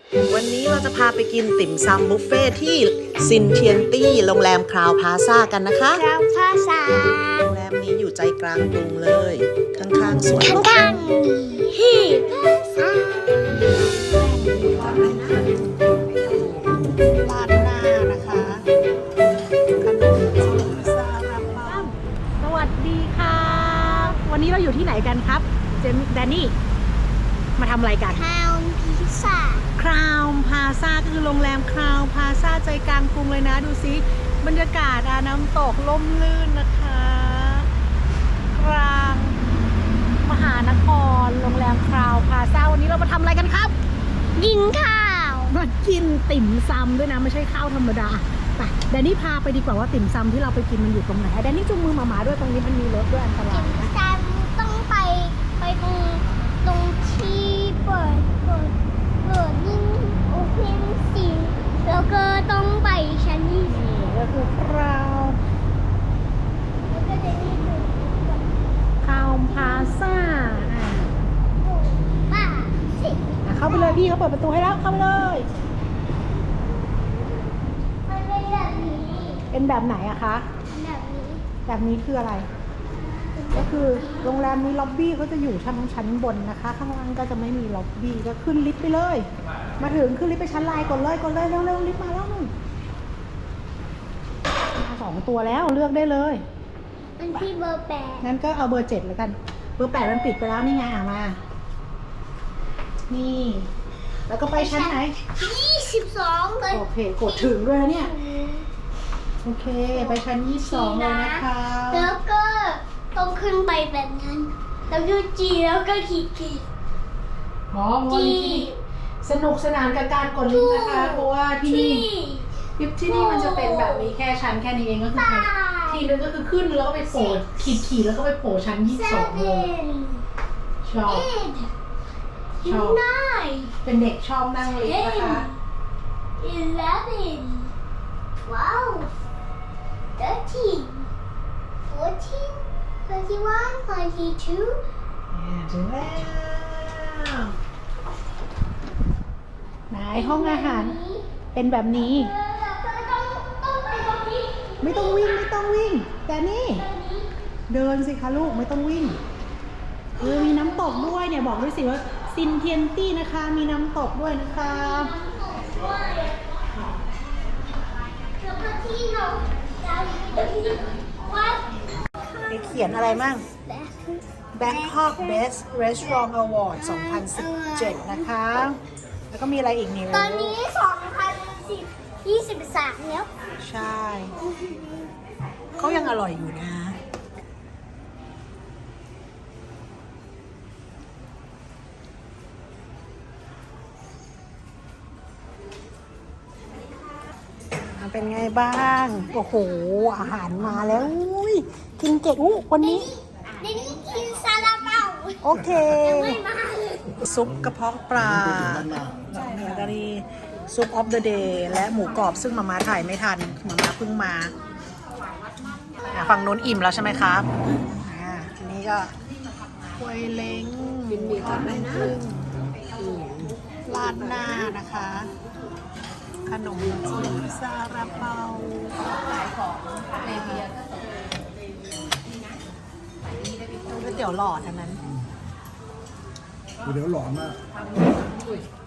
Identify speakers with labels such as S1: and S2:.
S1: วันนี้เราจะพาไปกินติ่มซำบุฟเฟ่ที่ซินเทียนตี้โรงแรมคราวพลาซ่ากันนะคะ
S2: คราวพลาซ่า
S1: โรงแรมนี้อยู่ใจกลางกรุงเลย ข้างๆสวน
S2: ข้างๆฮีพลาซ่า
S1: ลาดหน้านะคะขนมจีนซาลาเปา
S3: สวัสดีค่ะวันนี้เราอยู่ที่ไหนกันครับเจมส์แดนนี่มาทำอะไรกัน
S2: คราวพิซซ่า
S3: คราวพาซาก็คือโรงแรมคราวพาซาใจกลางกรุงเลยนะดูซิบรรยากาศน้ำตกล่มลื่นนะคะกลางมหานครโรงแรมคราวพาซาวันนี้เรามาทำอะไรกันครับ
S2: กินข้าว
S3: มากินติ่มซำด้วยนะไม่ใช่ข้าวธรรมดาไปแดนนี่พาไปดีกว่าว่าติ่มซำที่เราไปกินมันอยู่ตรงไหนแดนนี่จูงมือหมาๆด้วยตรงนี้มันมีรถด้วยอันตรายนะ
S2: จานต้องไปตรงที่เปิดยิ่งโอเพนสิแล้วก็ต้องไปชั้นที่
S3: นี่ก็คือคราว
S2: แล้วก็จะนี่คือ
S3: คราวพาซ่า
S2: ป้าสิ
S3: เข้าไปเลยพี่เขาเปิดประตูให้แล้วเข้าไปเลย
S2: มันเป็นแบบนี้
S3: เป็นแบบไหนอะคะ
S2: แบบนี้
S3: แบบนี้คืออะไร ก็คือโรงแรมนี้ล็อบบี้เขาจะอยู่ชั้นบนนะคะ ข้างล่างก็จะไม่มีล็อบบี้ก็ขึ้นลิฟต์ไปเลย มาถึงขึ้นลิฟต์ไปชั้นไลน์กดเลยเร็วลิฟต์มาแล้วนู่นมา2 ตัวแล้วเลือกได้เลย
S2: มันที่เบอร์8
S3: งั้นก็เอาเบอร์ 7แล้วกัน เบอร์ 8มันปิดไปแล้วนี่ไงมา นี่ แล้วก็ไปชั้นไหน
S2: 22เลย
S3: โอเคกดถึงด้วยนะเนี่ย โอเค ไปชั้น22เลยนะคะ
S2: แล้วก็ต้องขึ้นไปแบบนั้น แล้วก็จีแล้วก็ขีด
S3: อ๋อวันนี้สนุกสนานกับการกดลิฟต์นะคะ เพราะว่าที่นี่ลิฟต์ที่นี่มันจะเป็นแบบมีแค่ชั้นแค่นี้เองก็คือทีนึงก็คือขึ้นแล้วก็ไปโผล่ขีดแล้วก็ไปโผล่ชั้น22เลยชอบ ชอบ
S2: 9
S3: เป็นเด็กชอบนั่งลิฟต์นะคะ
S2: 11 ว้าว 13 14 21 22
S3: ถึงแล้ว ไหนห้องอาหารเป็นแบบนี้
S2: ต้องไปตรงนี้
S3: ไม่ต้องวิ่ง แต่นี่เดินสิคะลูกไม่ต้องวิ่งมีน้ำตกด้วยเนี่ยบอกด้วยสิว่าซินเทียนตี้นะคะ มีน้ำตกด้วยนะคะ
S2: แล้วก็ที่เราจะวัด
S3: เขียนอะไรมั่ง Bangkok Best Restaurant Award 2017 นะคะ แล้วก็มีอะไรอีกนี่
S2: ตอนนี้2023แล้ว
S3: ใช่ เขายังอร่อยอยู่นะ เป็นไงบ้าง โอ้โห อาหารมาแล้วอุ้ยกินเก่งวันนี้
S2: ในนี้กินซาลาเปา
S3: โอเค
S2: ไม่มาเลย
S3: ซุปกระเพาะปลาแล้วก็นี่ซุปออฟเดอะเดย์และหมูกรอบซึ่งมาม่าถ่ายไม่ทันมาม่าเพิ่งมาฝั่งนู้นอิ่มแล้วใช่ไหมครับทีนี้ก็กล้วยเล้งทอดมันกุ้งราดหน้านะคะ ขนมจีนซาลาเปาก๋วยเตี๋ยวหลอดอันนั้น
S4: เดี๋ยวหลอนมาก